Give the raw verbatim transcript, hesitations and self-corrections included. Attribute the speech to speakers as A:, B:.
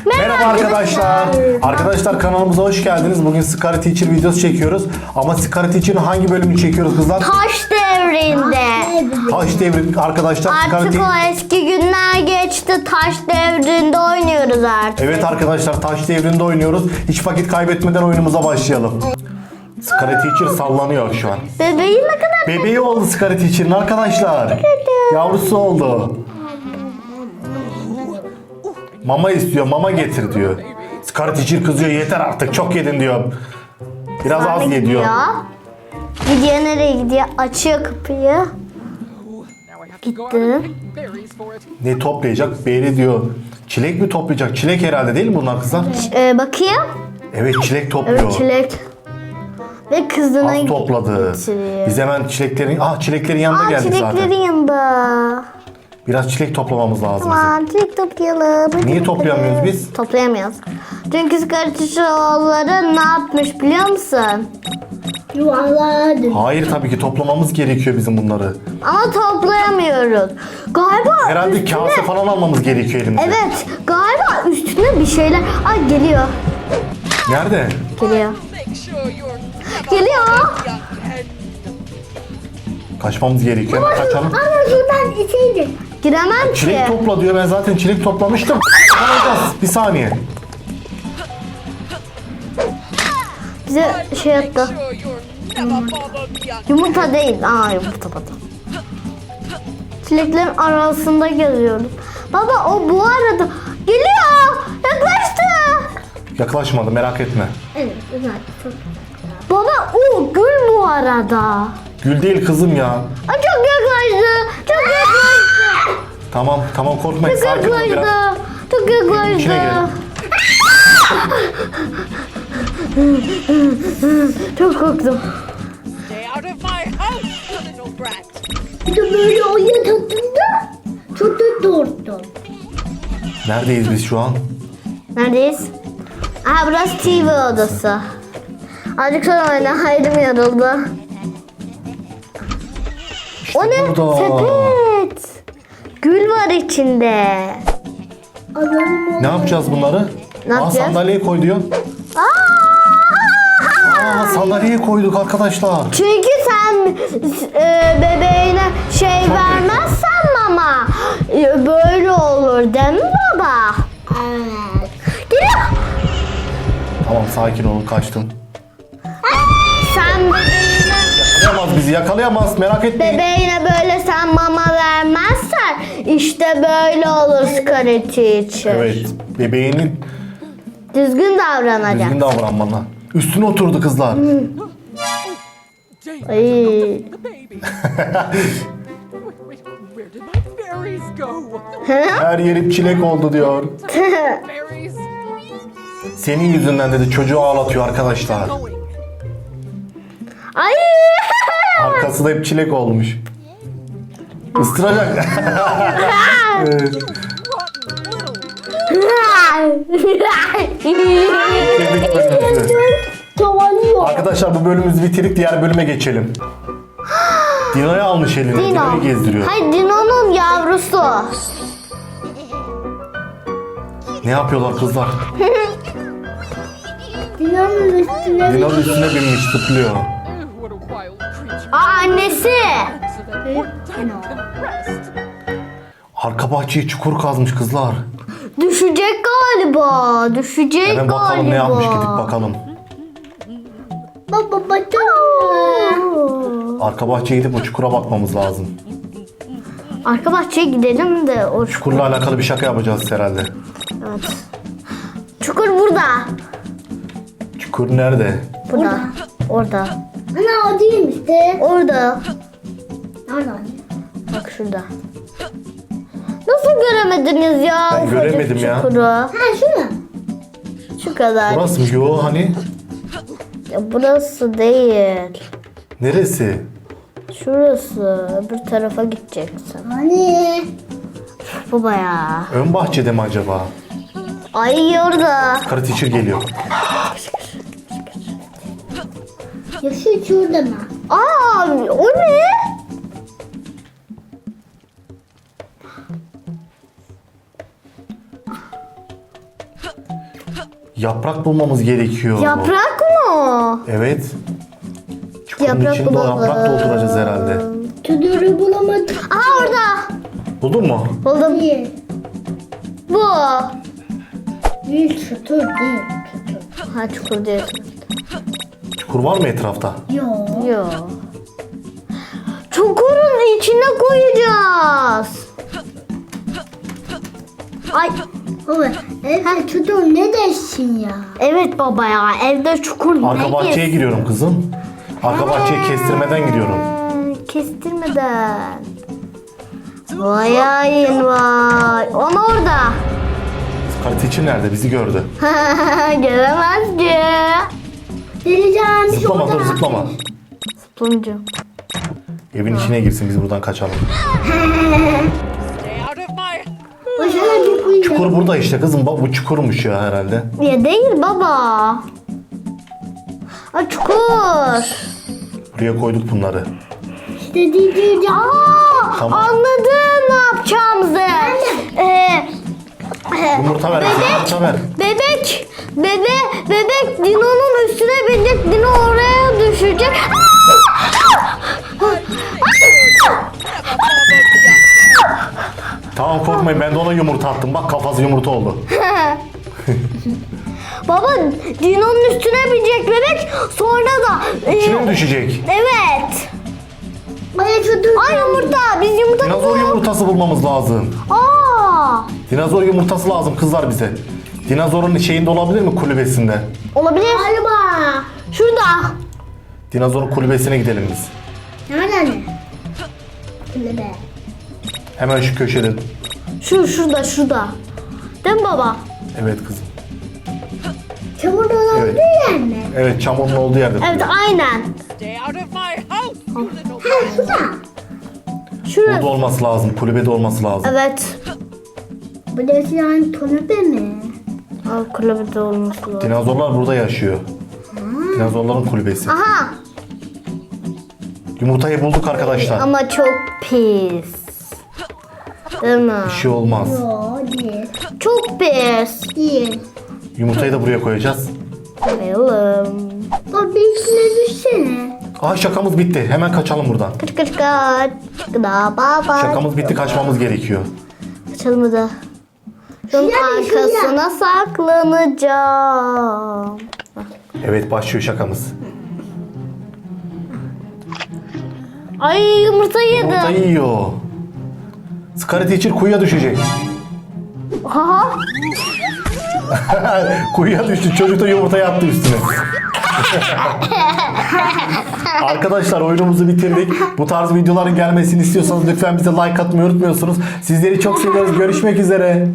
A: Merhaba arkadaşlar. Arkadaşlar kanalımıza hoş geldiniz. Bugün Scary Teacher videosu çekiyoruz. Ama Scary Teacher'ın hangi bölümünü çekiyoruz kızlar?
B: Taş devrinde.
A: Taş devri arkadaşlar. Scary
B: Artık
A: Te-
B: o eski günler geçti. Taş devrinde oynuyoruz artık.
A: Evet arkadaşlar taş devrinde oynuyoruz. Hiç vakit kaybetmeden oyunumuza başlayalım. Scary Teacher sallanıyor şu an.
B: Bebeği ne kadar...
A: Bebeği oldu Scary Teacher'ın arkadaşlar. Yavrusu oldu. Mama istiyor, mama getir diyor. Scary Teacher kızıyor, yeter artık çok yedin diyor. Biraz
B: Sonra
A: az ye diyor.
B: gidiyor. Gidiyor nereye gidiyor? Açıyor kapıyı. Gitti.
A: Ne toplayacak? Beri diyor. Çilek mi toplayacak? Çilek herhalde değil mi bunlar kızlar?
B: Ee, bakayım.
A: Evet çilek topluyor.
B: Evet çilek. Ve kızına
A: Az topladı.
B: getiriyor.
A: Biz hemen çileklerin, ah çileklerin yanına
B: Aa,
A: geldik
B: çileklerin
A: zaten.
B: yanında.
A: Biraz çilek toplamamız lazım bizim.
B: Aman çilek toplayalım. Hadi
A: Niye
B: bakalım.
A: toplayamıyoruz biz?
B: Toplayamıyoruz. Çünkü Skartişoğulları ne yapmış biliyor musun? Yuvarladı.
A: Hayır tabii ki toplamamız gerekiyor bizim bunları.
B: Ama toplayamıyoruz. Galiba
A: Herhalde
B: üstüne...
A: kase falan almamız gerekiyor elimize.
B: Evet. Galiba üstüne bir şeyler... Ay geliyor.
A: Nerede?
B: Geliyor. Geliyor.
A: Kaçmamız gerekiyor. Hemen kaçalım.
B: Ama şuradan içeydi. Giremem ki.
A: Çilek topla diyor. Ben zaten çilek toplamıştım. Alacağız. Bir saniye.
B: Bize şey yaptı. Yumurta değil. Aa yumurta pardon. Çileklerin arasında geziyorum. Baba o bu arada geliyor. Yaklaştı.
A: Yaklaşmadı merak etme.
B: Evet güzel. Baba o gül bu arada.
A: Gül değil kızım ya.
B: Aa, çok yaklaştı. Çok yaklaştı.
A: Tamam tamam korkmayın.
B: Çok
A: Sakin ol biraz.
B: yaklaştı. Çok yaklaştı.
A: İçine girelim.
B: Çok korktum.
C: Stay out of my house, you little brat.
D: Bir de böyle oyun tattığında çok da doğurdu.
A: Neredeyiz biz şu an?
B: Neredeyiz? Aha burası T V odası. Azıcık sonra oyna. Haydım yoruldu.
A: İşte
B: O ne?
A: burada.
B: Sepet. Gül var içinde.
A: Ne yapacağız bunları?
B: Ne
A: Aa,
B: yapacağız?
A: sandalyeye koy diyor.
B: Aa!
A: Aa, sandalyeye koyduk arkadaşlar.
B: Çünkü sen e, bebeğine şey vermezsen mama e, böyle olur değil mi baba?
D: Evet.
B: Geliyor.
A: Tamam sakin olun kaçtım.
B: Sen bebeğine,
A: Yakalayamaz bizi yakalayamaz merak etmeyin.
B: bebeğine böyle sen mama vermezsen işte böyle olur Scary Teacher.
A: Evet bebeğinin
B: Düzgün davranacak.
A: düzgün davran bana. Üstüne oturdu kızlar.
C: David,
B: Ay.
C: the baby. wait, wait, where did my berries go?
A: Her yerim çilek oldu diyor.
C: Berries
A: Senin yüzünden dedi çocuğu ağlatıyor arkadaşlar.
C: going.
B: Ay.
A: Arkası da hep çilek olmuş. Isıracak. Evet.
C: Rotten little.
A: Bitirdik bölümümüzü.
D: Tavalıyor.
A: Arkadaşlar bu bölümümüzü bitirdik diğer bölüme geçelim. Dino'yu almış eline.
B: Dino.
A: Dino'yu gezdiriyor.
B: Hayır Dino'nun yavrusu.
A: Ne yapıyorlar kızlar?
D: Dinanın üstüne
A: Dino'nun üstüne binmiş zıplıyor.
C: Oh, what a wild creature.
B: Aa annesi.
C: So that poor David can rest.
A: Arka bahçeye çukur kazmış kızlar.
B: Düşecek galiba. Düşecek
A: Hemen
B: galiba.
A: bakalım ne yapmış gidip bakalım.
D: baba batırma.
A: Arka bahçeye gidip o çukura bakmamız lazım.
B: Arka bahçeye gidelim de o
A: Çukurla alakalı bir şaka yapacağız herhalde.
B: Evet. Çukur burada.
A: Çukur nerede?
B: Burada. Orada.
D: Ana o değil işte.
B: Orada.
D: Nereden?
B: Bak şurada. Nasıl göremediniz ya?
A: Ben
B: ufacık
A: göremedim ya.
B: çukuru?
D: Ha şu mu?
B: Şu kadar.
A: Burası mı? Yo hani?
B: Ya burası değil.
A: Neresi?
B: Şurası. Öbür tarafa gideceksin.
D: Hani?
B: Baba ya.
A: Ön bahçede mi acaba?
B: Ay orada.
A: Karı teacher geliyor.
D: Ya şu şurada mı?
B: Aa o ne?
A: Yaprak bulmamız gerekiyor.
B: Yaprak mı?
A: Evet. Çukurun
B: Yaprak
A: içinde
B: bulalım.
A: yaprak dolduracağız herhalde.
D: Çadırı bulamadım.
B: Aha orada.
A: Buldun mu?
B: Buldum.
D: Değil.
B: Bu.
D: Değil çadır değil. Çadır.
B: Ha çukur değil.
A: Çukur var mı etrafta?
D: Yok.
B: Yok. Çukurun içine koyacağız. Ay.
D: Baba evde çadır ne dersin ya?
B: Evet baba ya evde çukur
A: Arka
B: ne
A: bahçeye
B: gir-
A: giriyorum kızım. Arka bahçeye kestirmeden gidiyorum.
B: Hmm, Kestirmeden. Vay hain vay. Onu orada.
A: Scarlet Teacher nerede? Bizi gördü.
B: Göremez ki.
D: Geleceğim.
A: Zıplama dur zıplama.
B: Sonuncu.
A: Evin içine girsin biz buradan kaçalım.
C: Stay out of my
D: Başına bir kuyu.
A: Çukur burada işte kızım. Bak bu çukurmuş ya herhalde.
B: Ya değil baba. Aa, çukur.
A: Buraya koyduk bunları.
D: İşte diyeceğim.
B: Aa,
A: Tamam.
B: anladım ne yapacağımızı. Ee,
A: Yumurta ver. bize, Yumurta ver.
B: bebek, bebe, bebek Dino'nun üstüne binecek. Dino oraya düşecek.
A: Tamam korkmayın ben de ona yumurta attım. Bak kafası yumurta oldu.
B: Baba Dino'nun üstüne binecek bebek. Sonra da e,
A: İçine mi düşecek?
B: evet.
D: Bana çadır.
B: Ay yumurta. Biz yumurta
A: Dinozor yumurtası bulmamız lazım.
B: Aa,
A: Dinozor yumurtası lazım kızlar bize. Dinozorun şeyinde olabilir mi kulübesinde?
B: olabilir.
D: Galiba.
B: Şurada.
A: Dinozorun kulübesine gidelim biz.
D: Nereden? Şöyle be.
A: Hemen şu köşede.
B: Şu şurada şurada. Değil mi baba?
A: Evet kızım.
D: Çamur olan
A: Evet.
D: bir yer mi?
A: Evet çamurun olduğu yerde.
B: Evet aynen.
C: stay out of my house, you little
D: Ha şurada.
B: Şurada.
A: Burada olması lazım. Kulübede olması lazım.
B: Evet.
D: Bu da yani tonöpe mi?
B: Aa, kulübede olması lazım.
A: Dinozorlar burada yaşıyor. Dinozorların kulübesi.
B: Aha.
A: Yumurtayı bulduk arkadaşlar.
B: Ama çok pis. Değil mi?
A: Bir şey olmaz.
D: Yok değil.
B: Çok pis.
D: Değil.
A: Yumurtayı da buraya koyacağız.
B: Koyalım.
D: O bir içine düşsene.
A: Aha şakamız bitti. Hemen kaçalım buradan.
B: Kaç kaç kaç. Gıda baba.
A: Şakamız bitti kaçmamız gerekiyor.
B: Kaçalım hadi. Şunun
D: Şuraya bir, şuraya.
B: arkasına saklanacağım.
A: Evet başlıyor şakamız.
B: Ay yumurta yedim.
A: Yumurta yiyor. Scarlet Teacher kuyuya düşecek.
B: Aha.
A: Kuyuya düştü. Çocuk da yumurtayı attı üstüne. Arkadaşlar oyunumuzu bitirdik. Bu tarz videoların gelmesini istiyorsanız lütfen bize like atmayı unutmuyorsunuz. Sizleri çok seviyoruz. Görüşmek üzere.